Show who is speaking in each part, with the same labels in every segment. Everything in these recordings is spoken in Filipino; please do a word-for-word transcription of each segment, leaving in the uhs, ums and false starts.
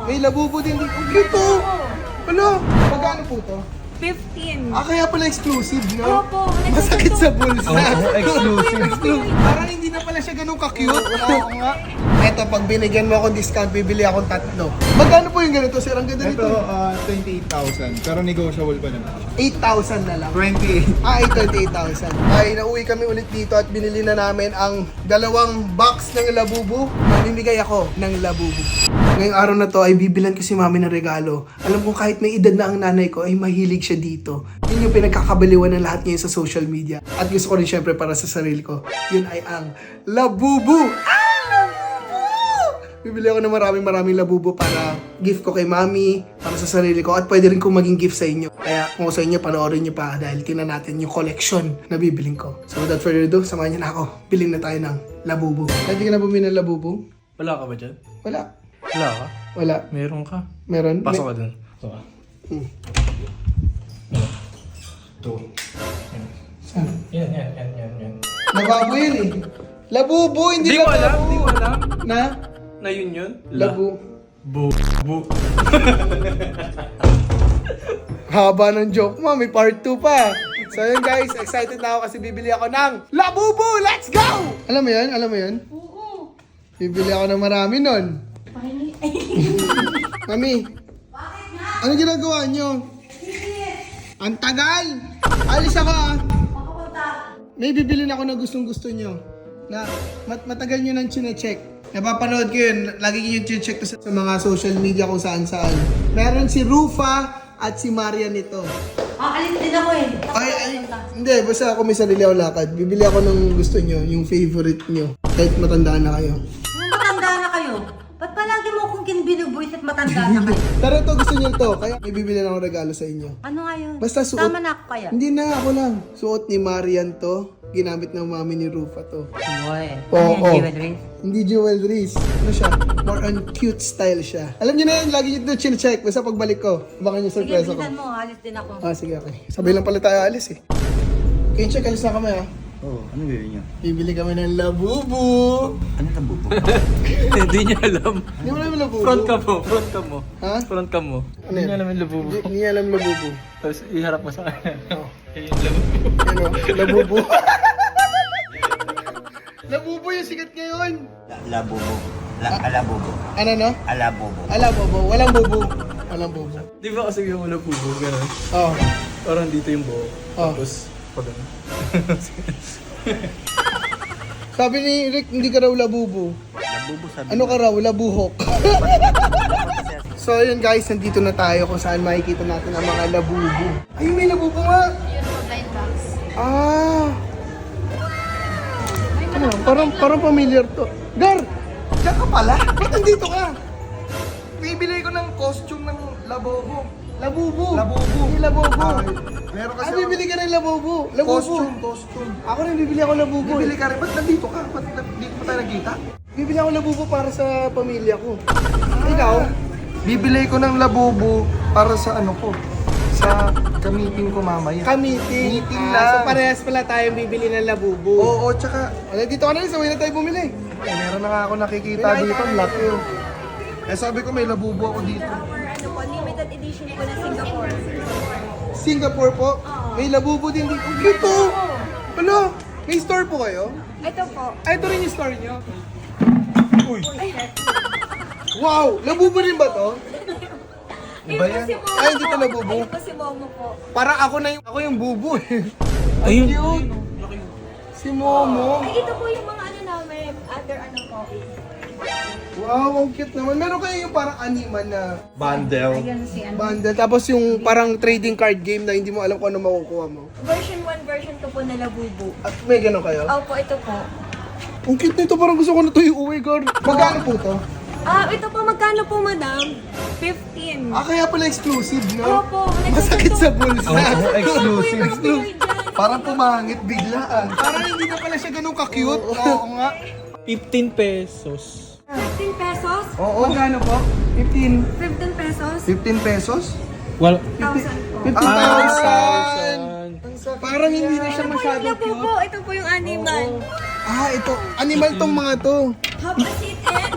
Speaker 1: May labubo din. Ang cute to. Ano? Magkano po to?
Speaker 2: fifteen.
Speaker 1: Ah, kaya pala exclusive, no?
Speaker 2: Opo.
Speaker 1: Masakit sa bulsa.
Speaker 3: Oo, exclusive.
Speaker 1: Exclusive. Parang hindi na pala siya ganun ka-cute. Oo nga. Eto, pag binigyan mo akong discount, bibili akong tatlo. Magkano po yung ganito, sir? Ang ganda
Speaker 3: Ito,
Speaker 1: nito.
Speaker 3: uh, twenty-eight thousand. Pero negotiable pa naman.
Speaker 1: eight thousand na lang.
Speaker 3: twenty-eight.
Speaker 1: Ah, twenty-eight thousand. Ay, nauwi kami ulit dito at binili na namin ang dalawang box ng labubu. Mamimigay ako ng labubu. Ngayong araw na to ay bibilan ko si mami ng regalo. Alam ko kahit may edad na ang nanay ko ay mahilig siya dito. Yun yung pinagkakabaliwan ng lahat ngayon sa social media. At gusto ko rin syempre para sa sarili ko. Yun ay ang labubu. Ah! Bibili ako ng maraming maraming labubu para gift ko kay mami, para sa sarili ko, at pwede rin kong maging gift sa inyo. Kaya kung sa inyo, panoorin nyo pa dahil tingnan natin yung collection na bibiling ko. So without further ado, samahan nyo na ako. Bilhin na tayo ng labubu. Pwede ka na bumili ng labubu?
Speaker 4: Wala ka ba dyan?
Speaker 1: Wala.
Speaker 4: Wala ka?
Speaker 1: Wala.
Speaker 4: Meron ka.
Speaker 1: Meron?
Speaker 4: Pasok ka dun. Pasok ka.
Speaker 1: Hmm.
Speaker 4: Ito.
Speaker 1: Saan?
Speaker 4: Yan, yan, yan, yan, yan.
Speaker 1: Labubu yun eh. Labubu, hindi
Speaker 4: Di ko alam,
Speaker 1: labubu.
Speaker 4: di ko alam.
Speaker 1: Na?
Speaker 4: Na yun yun?
Speaker 1: Labu.
Speaker 4: Bu. Bu.
Speaker 1: Haba ng joke mo, may part two pa. So yun guys, excited na ako kasi bibili ako ng labubu! Let's go! Alam mo yun? Alam mo yun?
Speaker 2: Oo.
Speaker 1: Bibili ako ng marami nun. Mami, ano ginagawa nyo? Ang tagal! Alis ako ah! May bibili na ako na gustong gusto nyo. Na mat matagal nyo nang chine-check. Napapanood ko yun. Lagi nyo yung chine-check to sa, sa mga social media kung saan saan. Meron si Rufa at si Marian nito.
Speaker 2: Ah, alis din ako eh.
Speaker 1: Ay, ay, hindi. Basta ako may sarili ako lakad. Bibili ako ng gusto nyo, yung favorite nyo. Kahit matanda na kayo.
Speaker 2: Nung matanda na kayo, ba't palagi mo akong kinibinubuis at matanda na kayo?
Speaker 1: Pero ito gusto nyo to. Kaya may bibili na akong regalo sa inyo.
Speaker 2: Ano nga yun?
Speaker 1: Basta suot.
Speaker 2: Tama na ako kaya.
Speaker 1: Hindi na, ako lang. Suot ni Marian to. Ginamit ng mami ni Rufa to.
Speaker 2: Boy.
Speaker 1: Oo, oo.
Speaker 2: Jewelry?
Speaker 1: Hindi jewelries. Ano siya? More on cute style siya. Alam niyo na yun, lagi nyo ito chill-check. Basta pagbalik ko, baka nyo
Speaker 2: Sige,
Speaker 1: surprise ako.
Speaker 2: bilisan mo. Alis din ako.
Speaker 1: Ah, sige, okay. Sabay lang pala tayo alis eh. Okay, check, alis na kami ah.
Speaker 3: Oo, ano bibili niyo?
Speaker 1: Bibili kami ng labubu.
Speaker 3: Ano na bubo?
Speaker 4: Hindi niya alam.
Speaker 1: Hindi mo namin labubu.
Speaker 4: Front ka mo, front ka mo.
Speaker 1: Ha?
Speaker 4: Front ka mo.
Speaker 1: Ano
Speaker 4: Hindi
Speaker 1: yan?
Speaker 4: niya alam yung labubu.
Speaker 1: Hindi, hindi alam labubu.
Speaker 4: Tapos iharap mo sa kanya.
Speaker 1: Oh.
Speaker 4: Ayun yung labubu.
Speaker 1: Ano? Labubu. Labubu yung sikat ngayon.
Speaker 5: Labubo. La alabubo.
Speaker 1: Ano no?
Speaker 5: Alabubo.
Speaker 1: Alabubu. Walang bubu. Walang bubu.
Speaker 4: Di ba kasi yung labubu, gano'n?
Speaker 1: Oh.
Speaker 4: Parang dito yung buhok.
Speaker 1: Oh.
Speaker 4: Tapos, pag ano.
Speaker 1: Sabi ni Rick, hindi ka raw labubu.
Speaker 5: Labubo sabi.
Speaker 1: Ano ka raw? Labuhok. So yun guys, nandito na tayo kung saan makikita natin ang mga labubu. Ay, may labubu nga! Ah! Ano, parang, parang familiar to. Gar! Diyan ka pala? Ba't nandito ka? Bibili ko ng costume ng labubu. Labubu! Labubu! Hindi labubu!
Speaker 5: Meron
Speaker 1: Ah, bibili ka ng labubu! Labubu!
Speaker 5: costume, costume.
Speaker 1: Ako rin bibili ako labubu.
Speaker 5: Bibili ka rin. Ba't nandito ka? Ba't dito pa tayo nagkita?
Speaker 1: Bibili ako labubu para sa pamilya ko. Ikaw?
Speaker 5: Bibili ko ng labubo para sa ano ko. Sa gamitin ko mamaya.
Speaker 1: Ka-meeting.
Speaker 5: Meeting
Speaker 1: Ah,
Speaker 5: lang.
Speaker 1: so parehas pala tayong bibili ng labubu.
Speaker 5: Oo, tsaka
Speaker 1: Wala, dito ka na rin, sabay na tayo bumili.
Speaker 5: eh, meron na nga ako nakikita
Speaker 1: May
Speaker 5: dito.
Speaker 1: nakita
Speaker 5: Ang laki oh. Eh sabi ko may labubo ako dito.
Speaker 2: Our ano po, limited edition po na Singapore.
Speaker 1: Singapore po, may labubu din dito. Ang cute po! Ano? May store po kayo?
Speaker 2: Ito po.
Speaker 1: Ay, ito rin yung store nyo. Uy! Wow! Labubu rin ba to?
Speaker 2: Ayun po si Momo.
Speaker 1: Ay, hindi to labubu.
Speaker 2: Ayun po si Momo po.
Speaker 1: Parang ako na yung, ako yung bubu eh.
Speaker 4: Ayun.
Speaker 1: Cute! Si Momo.
Speaker 2: Ay, ito po yung mga ano namin, other ano po.
Speaker 1: Wow, ang cute naman. Meron kayo yung parang animan na
Speaker 5: Bundle.
Speaker 2: Ayun si ano.
Speaker 1: bundle. Tapos yung parang trading card game na hindi mo alam kung ano makukuha mo.
Speaker 2: Version one, version two po na Labubu.
Speaker 1: At may gano'n kayo?
Speaker 2: Opo, ito po.
Speaker 1: Ang cute nito, parang gusto ko na ito iuwi, girl. Magkano po to?
Speaker 2: Ah, ito po, magkano po, madam? fifteen.
Speaker 1: Ah, kaya pala exclusive, no?
Speaker 2: Opo.
Speaker 1: Masakit sa bulsa.
Speaker 4: Oo, exclusive.
Speaker 1: Exclusive. Parang pumangit biglaan. Parang hindi na pala siya ganun ka-cute. Oo nga.
Speaker 4: fifteen pesos.
Speaker 2: fifteen pesos?
Speaker 1: Oo. Magkano po? fifteen.
Speaker 2: fifteen pesos?
Speaker 5: fifteen pesos?
Speaker 4: Well,
Speaker 2: one thousand po.
Speaker 1: fifteen thousand.
Speaker 4: thousand.
Speaker 1: Parang hindi na siya
Speaker 2: Ito po yung
Speaker 1: masyadong
Speaker 2: Labubu.
Speaker 1: cute.
Speaker 2: Ito po yung animal.
Speaker 1: Ah, ito. Animal tong mga to.
Speaker 2: Have a seat and...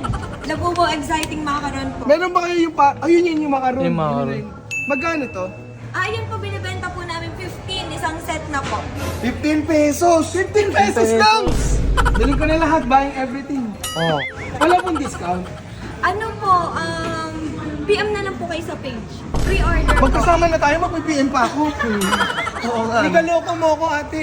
Speaker 6: Labubo exciting macaron po.
Speaker 1: Meron ba kayo yung pa... Ayun yun yung macaron.
Speaker 4: Yung macaron.
Speaker 1: Yun na yun. Magkano to?
Speaker 6: Ah, yun po binibenta po namin fifteen, isang set na po.
Speaker 1: fifteen pesos! fifteen pesos lang! Bilhin ko na lahat, buying everything.
Speaker 4: Oh.
Speaker 1: Wala pong discount.
Speaker 6: Ano po, um, P M na lang po kayo sa page. Pre-order po.
Speaker 1: Magkasama na tayo, mag-P M pa ako.
Speaker 3: Oo nga.
Speaker 1: Nikaloko mo ako, ate.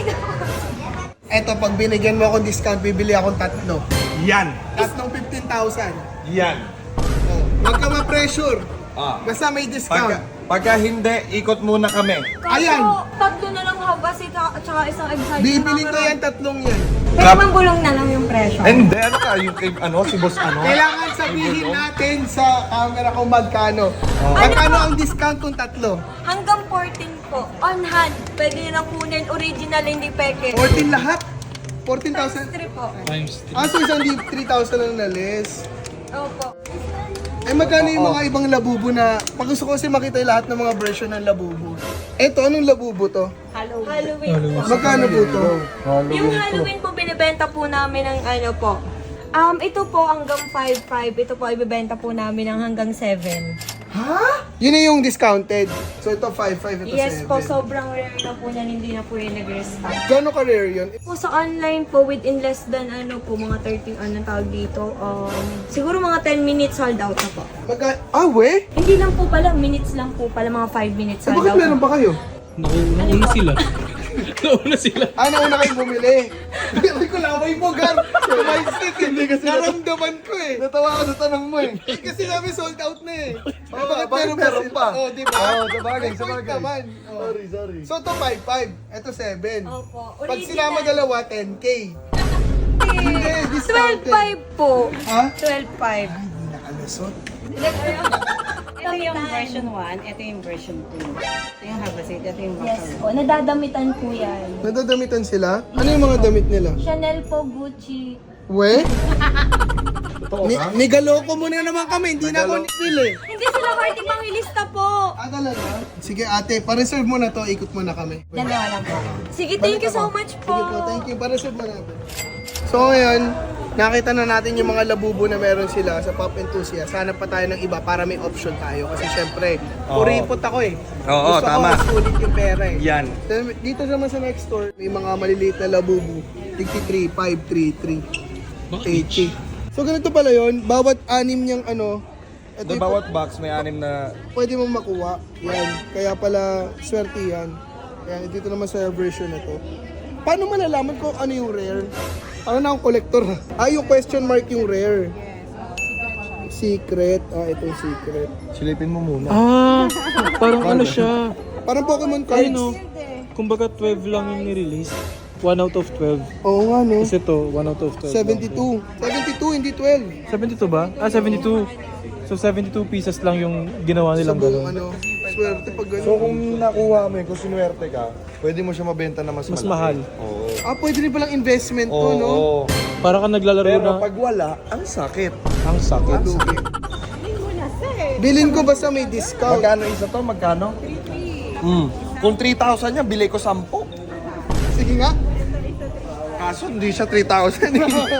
Speaker 1: Eto, pag binigyan mo akong discount, bibili akong tatlo.
Speaker 3: Yan.
Speaker 1: Tatlong fifteen thousand.
Speaker 3: Yan.
Speaker 1: Oh. Huwag ka ma-pressure.
Speaker 3: Ah.
Speaker 1: Basta may discount.
Speaker 3: Pagka, pagka hindi, ikot muna kami.
Speaker 6: Kaso,
Speaker 1: Ayan.
Speaker 6: tatlo na lang habas at saka isang exciting
Speaker 1: Bibili ko
Speaker 6: macaron.
Speaker 1: yan, tatlong yan.
Speaker 6: Pwede mang bulong na lang yung presyo.
Speaker 3: Hindi, ano ka? Yung kay, ano, si boss ano?
Speaker 1: Kailangan sabihin natin sa camera kung magkano.
Speaker 3: Oh.
Speaker 1: Magkano ang discount kung tatlo?
Speaker 6: Hanggang fourteen po, on hand. Pwede nyo lang kunin, original, hindi peke.
Speaker 1: fourteen lahat? fourteen thousand?
Speaker 6: three po.
Speaker 4: Times three.
Speaker 1: Ah, so isang di three thousand lang na less.
Speaker 6: Opo.
Speaker 1: Eh, magkano yung mga ibang labubo na... Pag gusto ko kasi makita yung lahat ng mga version ng labubo. Eto, anong labubo to?
Speaker 6: Halloween po.
Speaker 1: Magkano po to?
Speaker 6: Yung Halloween po, binibenta po namin ng ano po. Um, ito po hanggang five five. Ito po, ibibenta po namin ng hanggang seven.
Speaker 1: Ha? Yun na yung discounted. So ito five five, ito
Speaker 6: Yes po,
Speaker 1: seven.
Speaker 6: sobrang rare na po yan. Hindi na po yung nag-restock.
Speaker 1: Gano'n ka-rare yun?
Speaker 6: Po sa online po, within less than ano po, mga thirty, anong tawag dito, um, siguro mga ten minutes sold out na po.
Speaker 1: Magka... Ah, we?
Speaker 6: Hindi lang po pala, minutes lang po pala, mga five minutes
Speaker 1: Eh,
Speaker 6: sold
Speaker 1: bakit
Speaker 6: out
Speaker 1: meron
Speaker 6: na.
Speaker 1: pa kayo?
Speaker 4: Naku, nauna sila. nauna sila.
Speaker 1: Ah, nauna kayong bumili. Hindi ko laway mo, Gar. Mindset, hindi kasi naramdaman ko eh.
Speaker 3: Natawa ako sa tanong mo eh.
Speaker 1: Eh, kasi sabi sold out na eh.
Speaker 3: Oo,
Speaker 1: Eh, bakit
Speaker 3: bakit
Speaker 1: meron
Speaker 3: meron
Speaker 1: pa?
Speaker 3: pa?
Speaker 1: Oh, di ba?
Speaker 3: Oo, sabagay,
Speaker 1: May point
Speaker 3: sabagay.
Speaker 1: naman. Oh.
Speaker 3: Sorry, sorry.
Speaker 1: So, ito five five. Ito seven.
Speaker 6: Opo.
Speaker 1: Pag sinama dalawa, ten K. Hindi,
Speaker 6: twelve
Speaker 1: discounted.
Speaker 6: five po.
Speaker 1: Ha?
Speaker 6: twelve five.
Speaker 1: Nakalusot.
Speaker 7: Ito yung version one, ito yung version two. Ito yung Habasit, ito yung
Speaker 6: Yes
Speaker 7: Macaron.
Speaker 6: po, nadadamitan po yan.
Speaker 1: Nadadamitan sila? Ano yung mga damit nila?
Speaker 6: Chanel po, Gucci.
Speaker 1: We? Ni nigaloko mo na naman kami, hindi na ako nipili.
Speaker 6: Hindi sila party pangilista po.
Speaker 1: Ah, talaga? Sige ate, pa-reserve mo na to, ikot mo na kami.
Speaker 6: Dalawa lang po. Sige, thank you so much po.
Speaker 1: Sige po, thank you. Pa-reserve mo natin. So ngayon, nakita na natin yung mga labubo na meron sila sa Pop Enthusiast. Hanap pa tayo ng iba para may option tayo. Kasi syempre, puripot ako eh.
Speaker 3: Oo,
Speaker 1: Gusto
Speaker 3: tama.
Speaker 1: ko mas sulit yung pera eh.
Speaker 3: Yan.
Speaker 1: Then, dito naman sa next store, may mga maliliit na labubo. fifty-three, five three three. eighty. So ganito pala yon, bawat anim niyang ano, ito
Speaker 3: Doon
Speaker 1: yung
Speaker 3: bawat box may anim na...
Speaker 1: pwede mong makuha. Yan. Kaya pala, swerte yan. Yan, dito naman sa version na to. Paano malalaman kung ano yung rare? Ano na akong collector? Ah, yung question mark yung rare. Secret. Ah, itong secret.
Speaker 3: Silipin mo muna.
Speaker 4: Ah, parang ano siya.
Speaker 1: Parang Pokemon
Speaker 4: Ay
Speaker 1: cards.
Speaker 4: no. Kumbaga twelve lang yung nirelease. one out of twelve.
Speaker 1: Oo nga, no?
Speaker 4: Kasi to, one out of twelve.
Speaker 1: seventy-two. seventy-two, hindi twelve.
Speaker 4: seventy-two ba? Ah, seventy-two. So seventy-two pieces lang yung ginawa
Speaker 1: Sa
Speaker 4: nilang
Speaker 1: buong
Speaker 4: gano'n.
Speaker 1: ano, swerte pag gano'n.
Speaker 3: So kung nakuha mo yun, kung sinuwerte ka, pwede mo siya mabenta na mas,
Speaker 4: Mas
Speaker 3: malaki.
Speaker 4: mahal.
Speaker 3: Oo.
Speaker 1: Ah, pwede rin palang investment to,
Speaker 3: Oo.
Speaker 1: no?
Speaker 4: Para ka naglalaro
Speaker 3: Pero
Speaker 4: na
Speaker 3: pag wala, ang sakit.
Speaker 4: ang sakit.
Speaker 1: Lugi. Bilin ko basta may discount.
Speaker 3: Magkano isa to? Magkano? Mm. Kung three thousand niya, bili ko ten.
Speaker 1: Sige nga.
Speaker 3: Kaso hindi siya three thousand.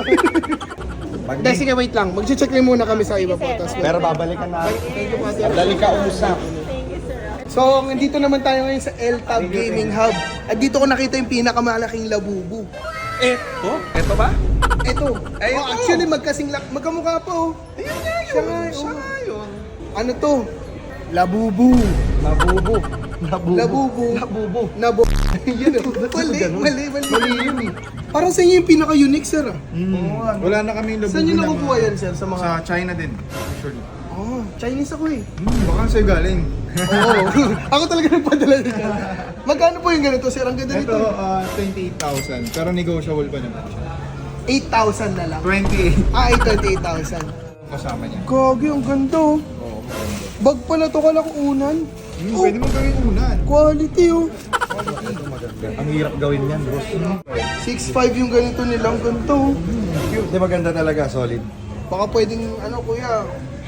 Speaker 1: Hindi, sige, wait lang. Mag-check lang muna kami sa iba po. Tapos,
Speaker 3: Pero babalikan na.
Speaker 1: thank you po, ate.
Speaker 3: Dali ka usap.
Speaker 1: So, nandito naman tayo ngayon sa L-Tab Gaming Hub. At dito ko nakita yung pinakamalaking labubu.
Speaker 3: Eto? Eto ba?
Speaker 1: Ito.
Speaker 3: Ay,
Speaker 1: Oh,
Speaker 3: ito.
Speaker 1: actually, magkasing lak magkamukha pa, oh.
Speaker 3: Ayun nga yun.
Speaker 1: Siya nga,
Speaker 3: Siya
Speaker 1: oh.
Speaker 3: nga yun.
Speaker 1: Ano to? Labubu.
Speaker 3: Nabubo. Nabubo.
Speaker 1: Labubu.
Speaker 3: Nabubo.
Speaker 1: Nabo. Yun, oh. Mali, mali, mali. Mali yun, eh. Parang sa inyo yung pinaka-unique, sir, ah.
Speaker 3: Mm. Wala na kami labubo.
Speaker 1: Saan nyo
Speaker 3: na
Speaker 1: nakukuha
Speaker 3: mga-
Speaker 1: yan, sir? Sa mga...
Speaker 3: Sa China din. Actually.
Speaker 1: Oh, Chinese ako, eh.
Speaker 3: Hmm, baka sa'yo galing.
Speaker 1: Oo. Ako talaga nagpadala nito. Magkano po yung ganito, sir? Ang ganda
Speaker 3: Ito,
Speaker 1: nito.
Speaker 3: uh, twenty-eight thousand. Pero negotiable pa naman siya.
Speaker 1: eight thousand na lang.
Speaker 3: twenty-eight.
Speaker 1: Ah, eight twenty-eight thousand.
Speaker 3: Kasama niya.
Speaker 1: Gagi, ang ganda, oh.
Speaker 3: Oo, maganda.
Speaker 1: Bag pala to, kala ko unan.
Speaker 3: Hmm,
Speaker 1: Oh,
Speaker 3: pwede mo gawin unan.
Speaker 1: quality, oh.
Speaker 3: Ang hirap gawin yan, bro.
Speaker 1: six five yung ganito nilang ganito, oh.
Speaker 3: Cute. Di maganda talaga, solid.
Speaker 1: Baka pwedeng, ano, kuya.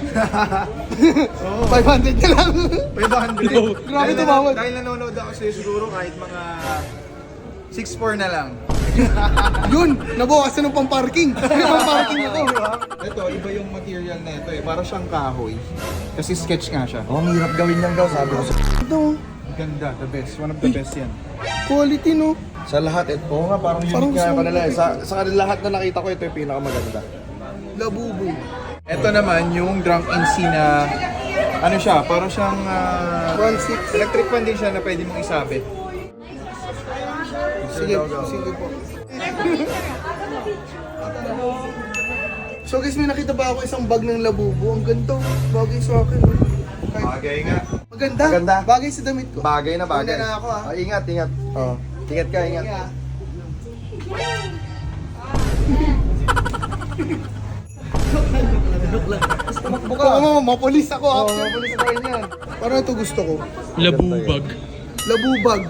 Speaker 1: five hundred na lang.
Speaker 3: five hundred.
Speaker 1: Grabe
Speaker 3: Dahil
Speaker 1: tumawad.
Speaker 3: na- Dahil nanonood ako sa'yo siguro kahit mga six four na lang.
Speaker 1: Yun, nabukasan ng pang-parking. May pang-parking ako.
Speaker 8: Ito, iba yung material na ito eh. Para siyang kahoy. Kasi sketch nga siya.
Speaker 3: Oh, ang hirap gawin niyang gaw, sabi ko.
Speaker 1: Ito,
Speaker 8: Ganda, the best. One of the best yan.
Speaker 1: quality no.
Speaker 3: Sa lahat, eh, oo nga, parang unique
Speaker 1: Parang
Speaker 3: nga
Speaker 1: sa-
Speaker 3: kanila eh. Sa, sa kanila lahat na nakita ko, ito yung pinakamaganda.
Speaker 1: Labubu.
Speaker 8: Ito naman yung drunk N C na ano siya, para siyang ah,
Speaker 1: one six.
Speaker 8: electric fan din siya na pwede mong isabit.
Speaker 1: Sige, sige po. So guys, may nakita ba ako isang bag ng labubu? Ang ganda. Bagay sa akin. oh. Kahit-
Speaker 8: Bagay nga.
Speaker 1: Maganda.
Speaker 3: Maganda.
Speaker 1: Bagay sa damit ko.
Speaker 3: Bagay na bagay.
Speaker 1: Una na ako, ah.
Speaker 3: Ah, ingat, ingat. Oh. Ingat ka, ingat.
Speaker 1: Yeah. Buka mo, mapulis ako. Oo, mapulis ako rin yan. Parang ito gusto ko.
Speaker 4: Labubag.
Speaker 1: Labubag.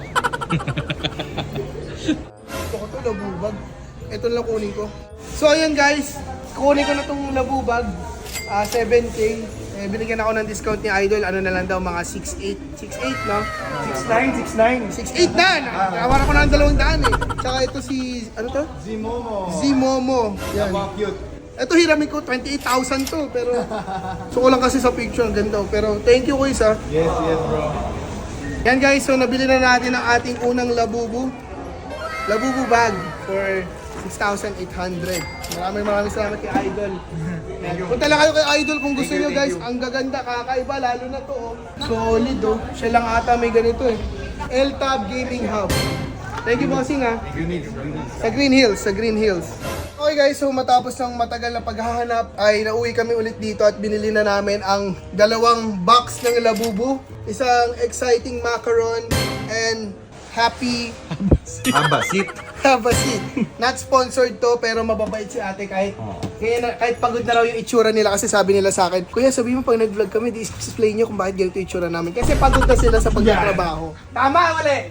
Speaker 1: Gusto ko to, labubag. Ito lang kunin ko. So ayun guys, kunin ko na tong labubag. Ah, seven K. Eh, binigyan ako ng discount ni Idol. Ano na lang daw, mga six eight. six eight, no?
Speaker 3: six nine, six nine.
Speaker 1: six eight na! Nakawaran ko na ng dalawang daan eh. Tsaka ito si, ano to?
Speaker 8: Zimomo.
Speaker 1: Zimomo. Yan.
Speaker 8: Wow, cute.
Speaker 1: Ito hiramin ko, twenty-eight thousand to. Pero, so ko lang kasi sa picture, ang ganda. Pero thank you kuys ha.
Speaker 8: Yes, yes bro.
Speaker 1: Yan guys, so nabili na natin ang ating unang labubu. Labubu bag for six thousand eight hundred. Maraming maraming salamat kay Idol. Yan. Punta lang kayo kay Idol kung gusto
Speaker 8: Thank you,
Speaker 1: nyo guys.
Speaker 8: thank you.
Speaker 1: Ang gaganda, kakaiba, lalo na to. Oh. Solid oh. Siya lang ata may ganito eh. L-Tab Gaming Hub. Thank you bossing ha. Sa Green Hills, sa Green Hills. Okay guys, so matapos ng matagal na paghahanap ay nauwi kami ulit dito at binili na namin ang dalawang box ng labubu. Isang exciting macaron and happy
Speaker 3: Abasit.
Speaker 1: have a seat. Not sponsored to pero mababait si ate kahit kaya na, kahit pagod na raw yung itsura nila kasi sabi nila sa akin, Kuya sabi mo pag nag-vlog kami, di-explain nyo kung bakit ganito yung itsura namin. Kasi pagod na sila sa pagtatrabaho. Tama, mali?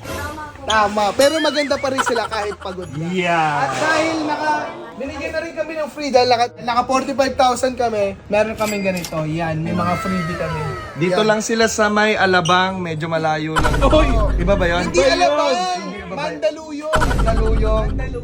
Speaker 1: Tama. Pero maganda pa rin sila kahit pagod na. At dahil naka, binigyan na rin kami ng free dahil naka, naka forty-five thousand kami, meron kaming ganito. Yan, may mga freebie kami.
Speaker 3: Dito
Speaker 1: Yan.
Speaker 3: lang sila sa may Alabang, medyo malayo lang. Iba ba yun?
Speaker 1: Hindi Alabang! Mandaluyong! Mandaluyong!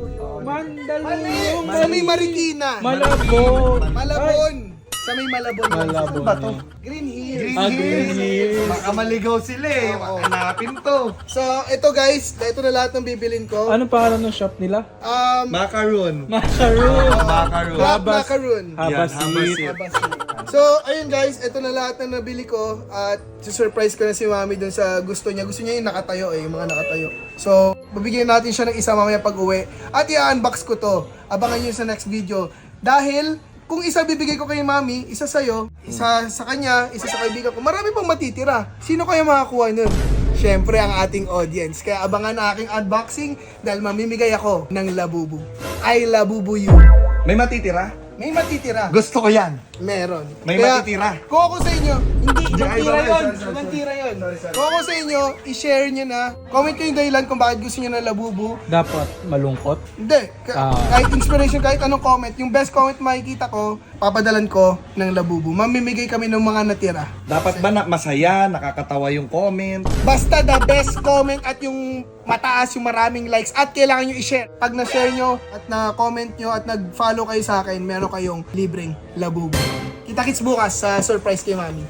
Speaker 4: Mandaluyong.
Speaker 1: Sa may Marikina!
Speaker 4: Malabon.
Speaker 1: Malabon! Sa may Malabon.
Speaker 4: Malabon.
Speaker 1: Saan ba to? Green Hills.
Speaker 4: Ah, Green Hills.
Speaker 3: Baka maligaw sila eh. Hanapin to.
Speaker 1: So, ito guys, ito na lahat ng bibilin ko.
Speaker 4: Anong pangalan ng shop nila?
Speaker 1: Um,
Speaker 3: Macaroon.
Speaker 4: Macaroon.
Speaker 3: Macaroon.
Speaker 1: Black
Speaker 4: Habas-
Speaker 1: Macaroon.
Speaker 4: Habasit.
Speaker 3: Habasit.
Speaker 1: So, ayun guys, ito na lahat ng nabili ko at surprise ko na si Mami dun sa gusto niya. Gusto niya yung nakatayo eh, yung mga nakatayo. So, babigyan natin siya ng isa mamaya pag uwi. At i-unbox ko to. Abangan niyo sa next video. Dahil, kung isa bibigay ko kay Mami, isa sa'yo, isa sa kanya, isa sa kaibigan ko, marami pang matitira. Sino kaya makakuha nun? Siyempre, ang ating audience. Kaya abangan ang aking unboxing dahil mamimigay ako ng labubu. I labubu you.
Speaker 3: May matitira?
Speaker 1: May matitira.
Speaker 3: Gusto ko yan.
Speaker 1: Meron.
Speaker 3: May matitira.
Speaker 1: Kung ako sa inyo, hindi,
Speaker 3: Ay,
Speaker 1: mantira
Speaker 3: sorry,
Speaker 1: yun.
Speaker 3: sorry, sorry,
Speaker 1: Mantira yun. Kung ako sa inyo, i-share nyo na. Comment nyo yung dahilan kung bakit gusto nyo ng labubu.
Speaker 4: Dapat malungkot.
Speaker 1: Hindi. Ka-
Speaker 4: Ah.
Speaker 1: Kahit inspiration, kahit anong comment. Yung best comment makikita ko, papadalan ko ng labubu. Mamimigay kami ng mga natira.
Speaker 3: Dapat ba na masaya, nakakatawa yung comment?
Speaker 1: Basta the best comment at yung mataas, yung maraming likes. At kailangan nyo i-share. Pag na-share nyo at na-comment nyo at nag-follow kayo sa akin, meron kayong libreng labubu. Kita-kits bukas sa surprise kay Mami.